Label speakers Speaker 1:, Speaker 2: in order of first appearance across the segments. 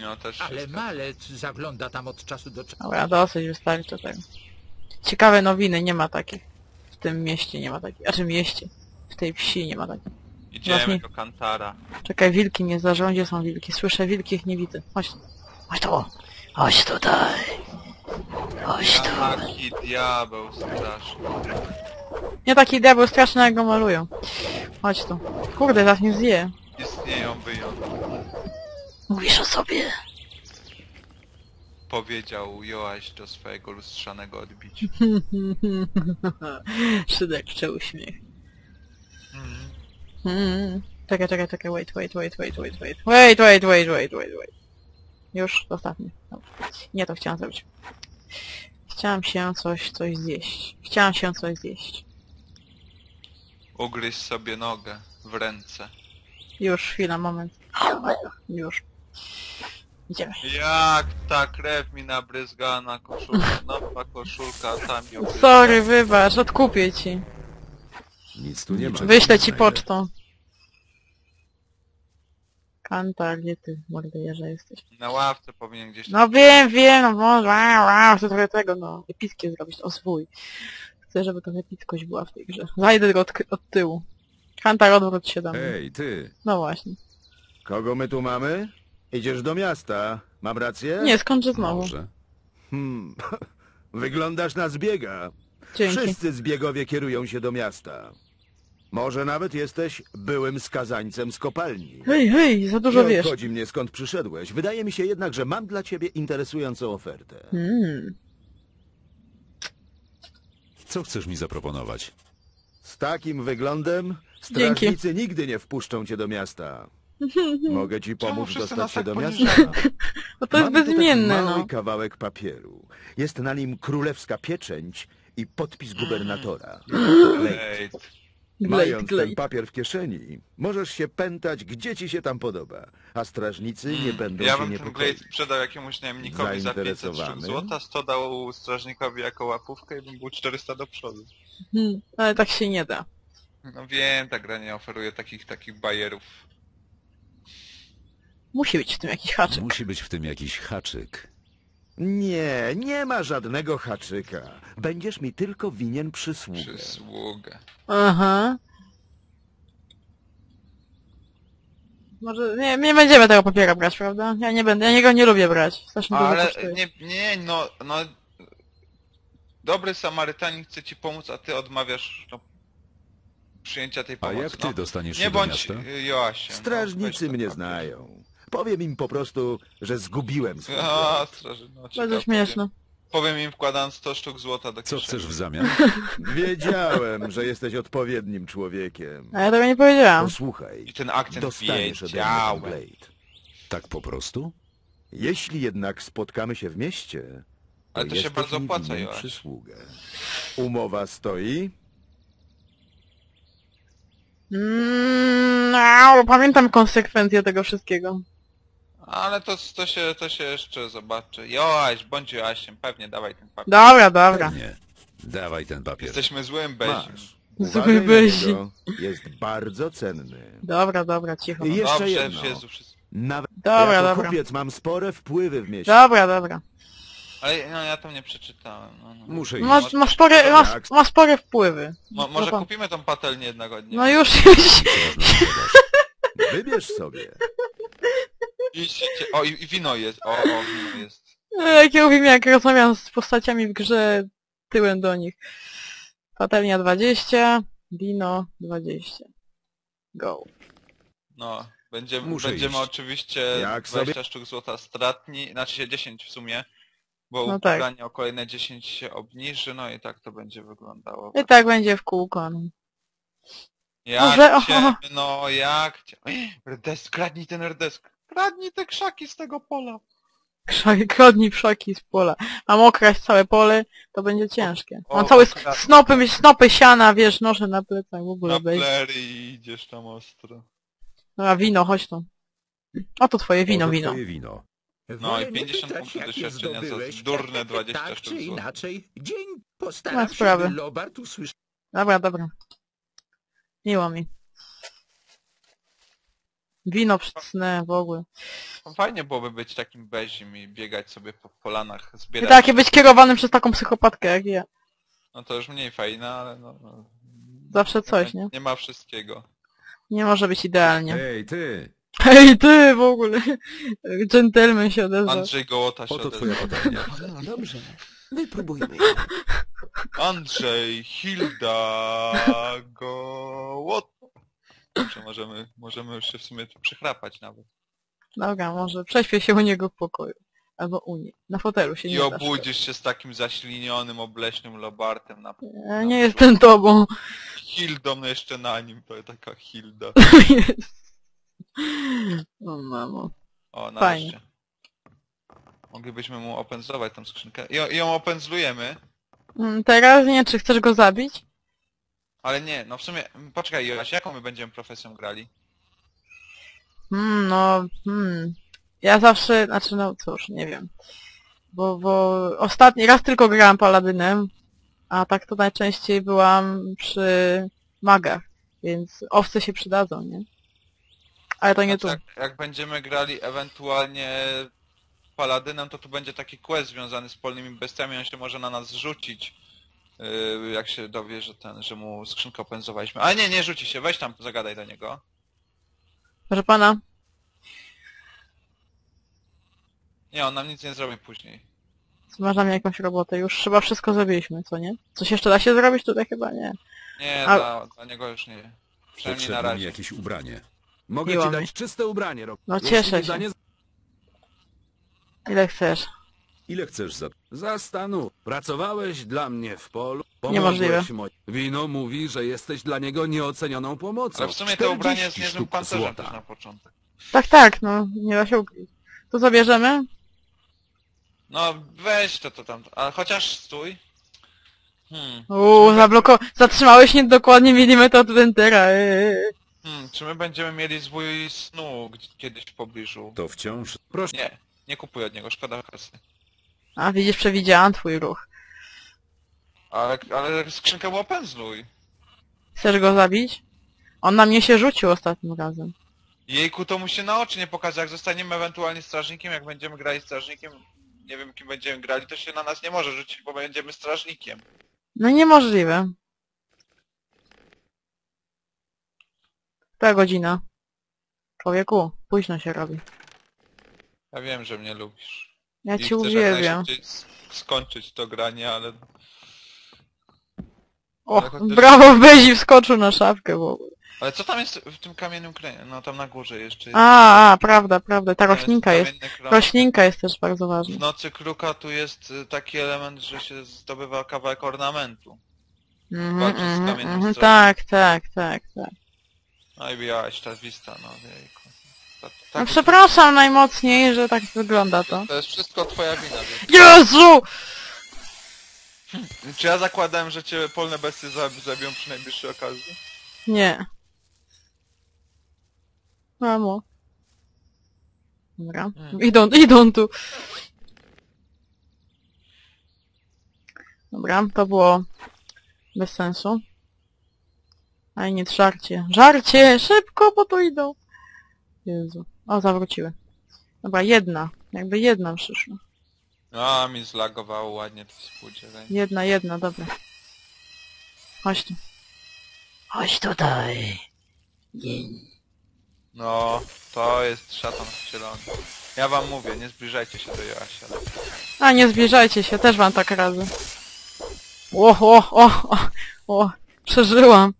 Speaker 1: No też się
Speaker 2: Ale
Speaker 1: zgadza.
Speaker 2: malec zagląda tam od czasu do czasu.
Speaker 3: Dobra, dosyć wystarczy tego. Ciekawe nowiny, nie ma takich. W tym mieście nie ma takich. A czy mieście? W tej wsi nie ma takich.
Speaker 1: Idziemy
Speaker 3: Właśnie.
Speaker 1: do Kantara.
Speaker 3: Czekaj, wilki nie zarządzie są wilki. Słyszę wilki, ich nie widzę. Chodź tu. Chodź tu. Chodź tutaj. Chodź tu.
Speaker 1: Jaki diabeł straszny.
Speaker 3: Nie taki diabeł straszny, jak go malują. Chodź tu. Kurde, zaraz mnie zje.
Speaker 1: Istnieją wyjątki.
Speaker 3: Mówisz o sobie.
Speaker 1: Powiedział Joaś do swojego lustrzanego odbicia.
Speaker 3: Szyderczy uśmiech.
Speaker 1: Mhm.
Speaker 3: Czekaj, wait. Już, ostatni. Dobra. Nie to chciałam zrobić. Chciałam się coś zjeść.
Speaker 1: Ugryź sobie nogę w ręce.
Speaker 3: Już, chwila, moment. Już. Idziemy.
Speaker 1: Jak ta krew mi nabryzgała na koszulkę. Nowa koszulka, tam ją
Speaker 3: Sorry, wybacz, odkupię ci.
Speaker 4: Nic tu nie ma.
Speaker 3: Wyślę ci pocztą. Kantar, gdzie ty, mordejerze, jesteś?
Speaker 1: na ławce powinien gdzieś tam...
Speaker 3: No wiem, no może, chcę trochę tego, no, epickie zrobić, o swój. Chcę, żeby to epickość była w tej grze. Zajdę go od tyłu. Kantar, odwróć się do mnie.
Speaker 4: Ej, ty!
Speaker 3: No właśnie.
Speaker 4: Kogo my tu mamy? Idziesz do miasta. Mam rację?
Speaker 3: Nie, skończę znowu.
Speaker 4: Może. Wyglądasz na zbiega.
Speaker 3: Dzięki.
Speaker 4: Wszyscy zbiegowie kierują się do miasta. Może nawet jesteś byłym skazańcem z kopalni.
Speaker 3: Hej, za dużo
Speaker 4: Nie
Speaker 3: wiesz.
Speaker 4: obchodzi mnie, skąd przyszedłeś. Wydaje mi się jednak, że mam dla ciebie interesującą ofertę.
Speaker 5: Co chcesz mi zaproponować?
Speaker 4: Z takim wyglądem strażnicy nigdy nie wpuszczą cię do miasta. Mogę ci pomóc
Speaker 1: wszyscy nas
Speaker 4: dostać się
Speaker 1: tak
Speaker 4: do
Speaker 1: poniżają?
Speaker 4: miasta.
Speaker 3: No to jest
Speaker 4: Mam tu taki
Speaker 3: bezimienne,
Speaker 4: mały
Speaker 3: no.
Speaker 4: kawałek papieru. Jest na nim królewska pieczęć i podpis gubernatora.
Speaker 1: Ej,
Speaker 4: Mając ten
Speaker 3: Glade.
Speaker 4: papier w kieszeni, możesz się pętać, gdzie ci się tam podoba, a strażnicy nie będą
Speaker 1: ja
Speaker 4: się
Speaker 1: bym ten
Speaker 4: niepokoić.
Speaker 1: Glade sprzedał jakiemuś najemnikowi za 500 sztuk
Speaker 4: Zainteresowany?
Speaker 1: złota, 100 dał strażnikowi jako łapówkę i bym był 400 do przodu.
Speaker 3: Ale tak się nie da.
Speaker 1: No wiem, ta gra nie oferuje takich bajerów.
Speaker 3: Musi być w tym jakiś haczyk.
Speaker 5: Musi być w tym jakiś haczyk.
Speaker 4: Nie, nie ma żadnego haczyka. Będziesz mi tylko winien przysługę.
Speaker 1: Przysługę.
Speaker 3: Aha. Może nie będziemy tego papiera brać, prawda? Ja nie będę, ja go nie lubię brać. Strasznie dużo
Speaker 1: Ale
Speaker 3: kosztuje.
Speaker 1: no... Dobry Samarytanin chce ci pomóc, a ty odmawiasz przyjęcia tej
Speaker 5: A
Speaker 1: pomocy.
Speaker 5: jak ty dostaniesz
Speaker 1: Nie
Speaker 5: się do
Speaker 1: bądź
Speaker 5: miasta?
Speaker 1: Joasiem.
Speaker 4: Strażnicy mnie znają. Powiem im po prostu, że zgubiłem swój
Speaker 1: A,
Speaker 4: glejt.
Speaker 1: straży, no
Speaker 3: Bardzo
Speaker 1: ciekawe.
Speaker 3: śmieszne.
Speaker 1: Powiem im wkładając 100 sztuk złota do
Speaker 5: Co
Speaker 1: kieszeni.
Speaker 5: chcesz w zamian?
Speaker 4: Wiedziałem, że jesteś odpowiednim człowiekiem.
Speaker 3: A ja tego nie powiedziałam.
Speaker 4: Posłuchaj,
Speaker 1: I ten akcent
Speaker 4: dostaniesz ode mnie ten
Speaker 1: wiedziałem.
Speaker 4: glejt.
Speaker 5: Tak po prostu?
Speaker 4: Jeśli jednak spotkamy się w mieście,
Speaker 1: Ale to się
Speaker 4: jesteś
Speaker 1: bardzo
Speaker 4: mi
Speaker 1: opłaca,
Speaker 4: winien
Speaker 1: Joaś.
Speaker 4: przysługę. Umowa stoi?
Speaker 3: Pamiętam konsekwencje tego wszystkiego.
Speaker 1: Ale to się jeszcze zobaczy. Joaś, bądź Joasiem, pewnie dawaj ten papier.
Speaker 3: Dobra.
Speaker 5: Nie. Dawaj ten papier.
Speaker 1: Jesteśmy złym bezim.
Speaker 4: Masz.
Speaker 3: Zły
Speaker 4: Uważaj na
Speaker 3: byzi.
Speaker 4: niego. Jest bardzo cenny.
Speaker 3: Dobra, cicho.
Speaker 4: I jeszcze
Speaker 1: Dobrze,
Speaker 4: jedno.
Speaker 1: Jezu, wszystko.
Speaker 4: Nawet
Speaker 3: Dobra,
Speaker 4: jako
Speaker 3: dobra.
Speaker 4: kupiec mam spore wpływy w mieście.
Speaker 3: Dobra.
Speaker 1: Ale no, ja tam nie przeczytałem. No.
Speaker 5: Muszę iść.
Speaker 3: Ma spore wpływy.
Speaker 1: Może
Speaker 3: No,
Speaker 1: kupimy tą patelnię jednego dnia.
Speaker 3: No już.
Speaker 4: Wybierz sobie.
Speaker 1: Idźcie. O, i wino jest. O, wino jest.
Speaker 3: Jak ja mówię, jak rozmawiam z postaciami w grze tyłem do nich. Patelnia 20, wino 20. Go.
Speaker 1: No,
Speaker 5: Muszę
Speaker 1: będziemy
Speaker 5: iść.
Speaker 1: oczywiście
Speaker 4: Jak
Speaker 1: 20
Speaker 4: sobie?
Speaker 1: sztuk złota stratni, znaczy się 10 w sumie, bo
Speaker 3: No tak.
Speaker 1: ubranie o kolejne 10 się obniży, no i tak to będzie wyglądało.
Speaker 3: I tak będzie w kółko. No.
Speaker 1: Jak
Speaker 3: Może-
Speaker 1: cię, no jak cię... Rdesk, kradnij ten rdesk, kradnij te krzaki z tego pola.
Speaker 3: Kradnij pszaki z pola. Mam okraść całe pole, to będzie ciężkie.
Speaker 1: O,
Speaker 3: Mam całe
Speaker 1: akurat.
Speaker 3: snopy siana, wiesz, noszę na plecach w ogóle.
Speaker 1: Na
Speaker 3: Bez...
Speaker 1: plery i idziesz tam ostro.
Speaker 3: Dobra, wino, chodź tu. Oto twoje wino,
Speaker 5: Oto
Speaker 3: wino.
Speaker 5: twoje wino.
Speaker 1: No i
Speaker 2: Wolę nie
Speaker 1: 50
Speaker 2: pytać,
Speaker 1: punktów
Speaker 2: jakie
Speaker 1: doświadczenia za
Speaker 2: zdobyłeś.
Speaker 1: durne 20
Speaker 2: Tak
Speaker 1: sztuk
Speaker 2: czy
Speaker 1: złota.
Speaker 2: inaczej, dzień
Speaker 3: Ma
Speaker 2: postaram się,
Speaker 3: sprawy.
Speaker 2: by Lobart usłyszał.
Speaker 3: Dobra. Miło mi. Wino przycnę w ogóle.
Speaker 1: No, fajnie byłoby być takim bezim i biegać sobie po polanach,
Speaker 3: I
Speaker 1: zbierać.
Speaker 3: takie być kierowanym przez taką psychopatkę jak ja.
Speaker 1: No to już mniej fajne, ale no.
Speaker 3: Zawsze coś, nie?
Speaker 1: Nie ma wszystkiego.
Speaker 3: Nie może być idealnie.
Speaker 5: Ej, ty!
Speaker 3: Hej ty w ogóle! Gentleman się odezwał.
Speaker 1: Andrzej Gołota się
Speaker 5: Oto twoja
Speaker 1: odezwał.
Speaker 5: patelnia.
Speaker 2: No dobrze. Wypróbujmy.
Speaker 1: Andrzej, Hilda, Gołota. Dobrze, możemy już się w sumie tu przychrapać nawet.
Speaker 3: Dobra, może prześpię się u niego w pokoju. Albo u niej. Na fotelu się
Speaker 1: I
Speaker 3: nie da.
Speaker 1: obudzisz się z takim zaślinionym, obleśnym lobartem na
Speaker 3: Ja nie jestem tobą.
Speaker 1: Hildą no jeszcze na nim, to taka Hilda.
Speaker 3: Jest. O mamo.
Speaker 1: O,
Speaker 3: Fajnie.
Speaker 1: nareszcie. Moglibyśmy mu opędzlować tą skrzynkę. I ją opędzlujemy,
Speaker 3: Teraz nie, czy chcesz go zabić?
Speaker 1: ale nie, no w sumie, poczekaj Joaś, jaką my będziemy profesją grali?
Speaker 3: Ja zawsze, znaczy no cóż, nie wiem. Bo ostatni raz tylko grałam paladynem, a tak to najczęściej byłam przy magach, więc owce się przydadzą, nie? Ale to nie tu.
Speaker 1: Znaczy, jak będziemy grali ewentualnie paladynem, to tu będzie taki quest związany z polnymi bestiami, on się może na nas rzucić, jak się dowie, że mu skrzynkę opędzowaliśmy. Ale nie rzuci się, weź tam, zagadaj do niego.
Speaker 3: Proszę pana,
Speaker 1: Nie, on nam nic nie zrobi później.
Speaker 3: masz na mnie jakąś robotę, już chyba wszystko zrobiliśmy, co nie? Coś jeszcze da się zrobić? Tutaj chyba nie.
Speaker 1: Nie,
Speaker 3: A-
Speaker 1: dla niego już nie. Przynajmniej na
Speaker 5: Potrzebne mi
Speaker 1: razie.
Speaker 5: jakieś ubranie.
Speaker 4: Mogę
Speaker 3: Miło
Speaker 4: ci
Speaker 3: mi.
Speaker 4: dać czyste ubranie, Rok.
Speaker 3: No
Speaker 4: Jeśli
Speaker 3: cieszę
Speaker 4: mi za
Speaker 3: się.
Speaker 4: nie
Speaker 5: Ile
Speaker 3: Ile chcesz?
Speaker 5: chcesz za...
Speaker 4: zastanów. Pracowałeś dla mnie w polu.
Speaker 3: Niemożliwe.
Speaker 4: Pomogłeś mo- Wino mówi, że jesteś dla niego nieocenioną pomocą.
Speaker 1: Ale w sumie to ubranie jest
Speaker 4: 40
Speaker 1: niezłym
Speaker 4: sztuk
Speaker 1: pancerzem
Speaker 4: złota.
Speaker 1: też na początek.
Speaker 3: Tak, no, nie da się ukryć. To zabierzemy?
Speaker 1: No weź to tam, ale chociaż stój.
Speaker 3: Zatrzymałeś mnie dokładnie milimetr od Wentera.
Speaker 1: Czy my będziemy mieli zwój snu kiedyś w pobliżu?
Speaker 5: To wciąż...
Speaker 4: Proszę.
Speaker 1: Nie kupuj od niego, szkoda kasy.
Speaker 3: A widzisz, przewidziałam twój ruch.
Speaker 1: Ale skrzynkę mu opędzluj.
Speaker 3: Chcesz go zabić? On na mnie się rzucił ostatnim razem.
Speaker 1: Jejku, to mu się na oczy nie pokaże. Jak zostaniemy ewentualnie strażnikiem, jak będziemy grali strażnikiem, nie wiem kim będziemy grali, to się na nas nie może rzucić, bo będziemy strażnikiem.
Speaker 3: No niemożliwe. Która godzina? Człowieku, późno się robi.
Speaker 1: Ja wiem, że mnie lubisz.
Speaker 3: Ja
Speaker 1: I
Speaker 3: cię
Speaker 1: chcesz jak
Speaker 3: uwielbiam.
Speaker 1: najszybciej skończyć to granie, ale...
Speaker 3: O,
Speaker 1: chociaż-
Speaker 3: brawo, Bezi wskoczył na szafkę w ogóle.
Speaker 1: Ale co tam jest w tym kamiennym kręgu? No tam na górze jeszcze jest.
Speaker 3: Prawda. Ta
Speaker 1: Tam
Speaker 3: roślinka jest.
Speaker 1: kamienny krąg.
Speaker 3: Roślinka jest też bardzo
Speaker 1: W
Speaker 3: ważna.
Speaker 1: nocy kruka tu jest taki element, że się zdobywa kawałek ornamentu. walczyć z kamiennym strachem.
Speaker 3: Tak.
Speaker 1: No i białaś ta wista, no jejku.
Speaker 3: No przepraszam najmocniej, że tak wygląda to.
Speaker 1: To jest wszystko twoja wina, więc...
Speaker 3: Jezu!
Speaker 1: Czy ja zakładałem, że cię polne bestie zabiją przy najbliższej okazji?
Speaker 3: Nie. Mamo. Dobra. Idą tu. Dobra, to było bez sensu. A nie żarcie. Żarcie! Szybko, bo tu idą. Jezu. O, zawróciły. Dobra, jedna. Jakby jedna przyszła.
Speaker 1: A, mi zlagowało ładnie to współdzielenie.
Speaker 3: Jedna, dobra. Chodź tu. Chodź tutaj.
Speaker 1: No, to jest szatan wcielony. Ja wam mówię, nie zbliżajcie się do Joasia.
Speaker 3: A, nie zbliżajcie się, też wam tak radzę. O, przeżyłam.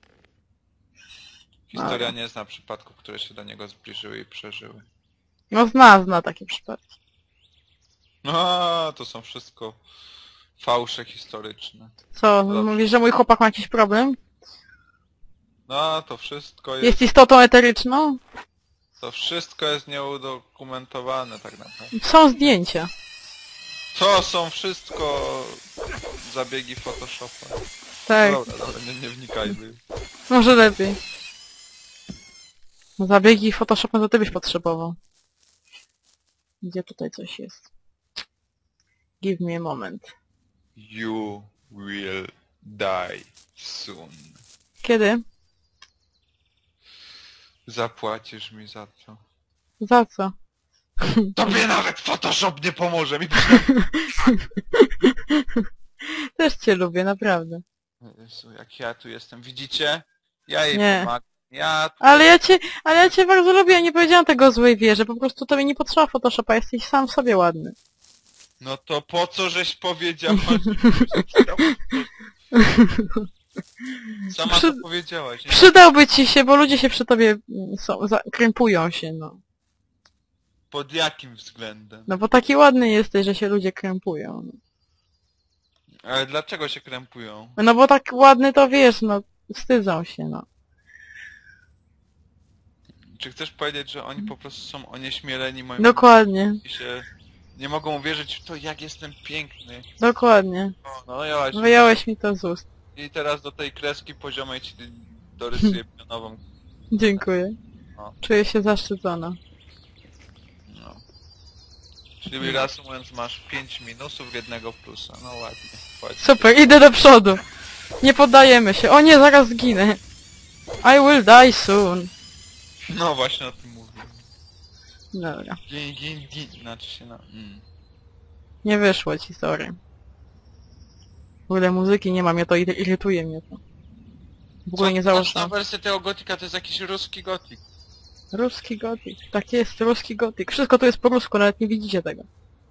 Speaker 1: Historia nie zna przypadków, które się do niego zbliżyły i przeżyły.
Speaker 3: No zna takie przypadki.
Speaker 1: No, to są wszystko fałsze historyczne.
Speaker 3: Co,
Speaker 1: Dobrze.
Speaker 3: mówisz, że mój chłopak ma jakiś problem?
Speaker 1: No, to wszystko
Speaker 3: Jest istotą eteryczną?
Speaker 1: To wszystko jest nieudokumentowane tak naprawdę.
Speaker 3: Są zdjęcia.
Speaker 1: To są wszystko zabiegi Photoshopa.
Speaker 3: Tak,
Speaker 1: Dobra, nie wnikajmy.
Speaker 3: może lepiej. Zabiegi Photoshopem to ty byś potrzebował. Gdzie tutaj coś jest? Give me a moment.
Speaker 1: You will die soon.
Speaker 3: Kiedy?
Speaker 1: Zapłacisz mi za to.
Speaker 3: Za co?
Speaker 1: Tobie nawet Photoshop nie pomoże mi.
Speaker 3: Też cię lubię, naprawdę.
Speaker 1: Jezu, jak ja tu jestem, widzicie? Ja jej
Speaker 3: Nie.
Speaker 1: pomagam. Ja tu...
Speaker 3: Ale ja cię bardzo lubię, ja nie powiedziałam tego o złej wierze, po prostu tobie nie potrzeba Photoshopa, jesteś sam w sobie ładny.
Speaker 1: No to po co żeś powiedziała? Sama to powiedziałaś, nie?
Speaker 3: Przydałby ci się, bo ludzie się przy tobie krępują się, no.
Speaker 1: Pod jakim względem?
Speaker 3: No bo taki ładny jesteś, że się ludzie krępują. No.
Speaker 1: Ale dlaczego się krępują?
Speaker 3: No bo tak ładny to wiesz, no, wstydzą się, no.
Speaker 1: Czy chcesz powiedzieć, że oni po prostu są onieśmieleni moim...
Speaker 3: Dokładnie,
Speaker 1: I się nie mogą uwierzyć w to, jak jestem piękny.
Speaker 3: dokładnie.
Speaker 1: No ja właśnie.
Speaker 3: Wyjąłeś mi to z ust.
Speaker 1: I teraz do tej kreski poziomej ci dorysuję pionową.
Speaker 3: Dziękuję.
Speaker 1: O.
Speaker 3: Czuję się zaszczycona.
Speaker 1: No. Czyli reasumując, masz 5 minusów, 1 plusa. No ładnie. ładnie.
Speaker 3: Super, idę do przodu. Nie poddajemy się. O nie, zaraz zginę. I will die soon.
Speaker 1: No właśnie o tym mówię.
Speaker 3: Dobra.
Speaker 1: Gin. Znaczy się na...
Speaker 3: Nie wyszło ci, sorry. W ogóle muzyki nie mam, mnie to irytuje mnie to. W ogóle nie
Speaker 1: Na
Speaker 3: założyłam.
Speaker 1: wersję tego gotika to jest jakiś ruski gotik.
Speaker 3: Ruski gotik. Tak jest, ruski gotik. Wszystko tu jest po rusku, nawet nie widzicie tego.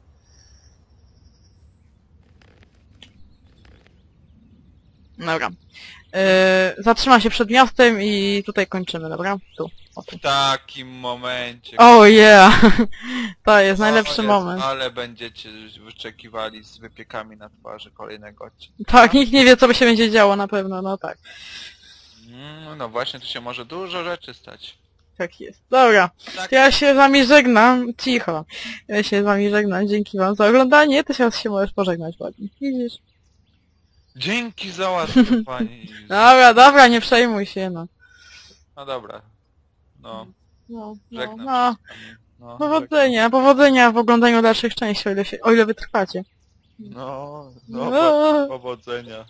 Speaker 3: Dobra. Zatrzymam się przed miastem i tutaj kończymy, dobra? Tu. O, tu.
Speaker 1: W takim momencie...
Speaker 3: Oh yeah! To jest najlepszy
Speaker 1: O Jezu,
Speaker 3: moment.
Speaker 1: Ale będziecie wyczekiwali z wypiekami na twarzy kolejnego odcinka.
Speaker 3: Tak, nikt nie wie, co by się będzie działo na pewno, no tak.
Speaker 1: No właśnie, tu się może dużo rzeczy stać.
Speaker 3: Tak jest. Dobra,
Speaker 1: Tak.
Speaker 3: to ja się z wami żegnam. Cicho. Ja się z wami żegnam. Dzięki wam za oglądanie. Ty teraz się możesz pożegnać ładnie. Widzisz?
Speaker 1: Dzięki za łaskę, pani.
Speaker 3: Dobra, nie przejmuj się, no.
Speaker 1: No dobra. No,
Speaker 3: No,
Speaker 1: żegnam
Speaker 3: no.
Speaker 1: się z pani. No,
Speaker 3: Powodzenia w oglądaniu dalszych części, o ile wytrwacie.
Speaker 1: no,
Speaker 3: No.
Speaker 1: powodzenia.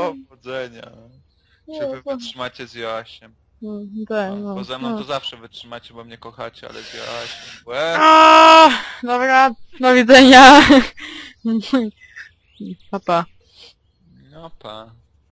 Speaker 1: Czy wy wytrzymacie z Joasiem?
Speaker 3: Tak, no.
Speaker 1: Bo ze mną to zawsze wytrzymacie, bo mnie kochacie, ale z Joasiem...
Speaker 3: Dobra, do widzenia. Pa, pa.
Speaker 1: No pa.